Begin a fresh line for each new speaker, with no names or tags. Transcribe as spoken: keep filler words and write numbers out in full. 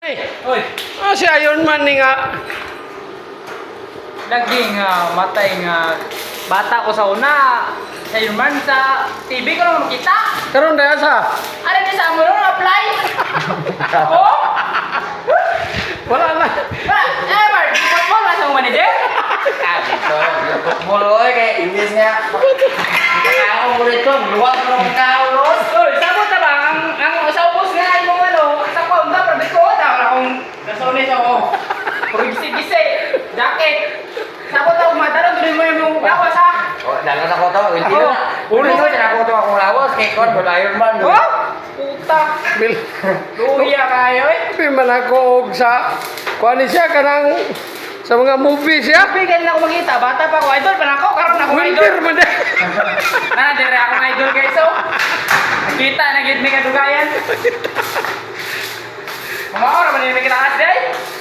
Oy,
Ah, si Iron Man ni nga.
naging uh, matay nga bata ko sa una. Sa Iron Man sa T V ko lang makita.
Karon daya sa.
Ano ni sa mo nung apply? Oh?
Wala na.
Ba, eh, Bart, football na sa mga manager?
Ah, dito. Football oy kay English nga. Ako mo dito, luwag mo ng kaulos.
Oy, sabot na ba ang ang sa ubos nga imong ano, sa kaunta pero dito ta wala akong nasunod ako. Purigisi-gisi, jacket. Sabot na umadaron tuloy mo yung lawas ha.
Oh, dalan ako to. Hindi
Ako,
na. Ulo ko din ako to akong lawas kay kon mo Iron Man.
Oh, puta.
Bil.
Luya kayo eh.
Pi man ako og sa kuan ni siya kanang sa mga movies siya.
Bigyan na ako makita, bata pa ako, idol pa na ako, karon na ako idol.
Winter man din.
Na, dire ako idol guys, so. Nakita, nagit may kadugayan. Mga oras, man yung nakita kasi,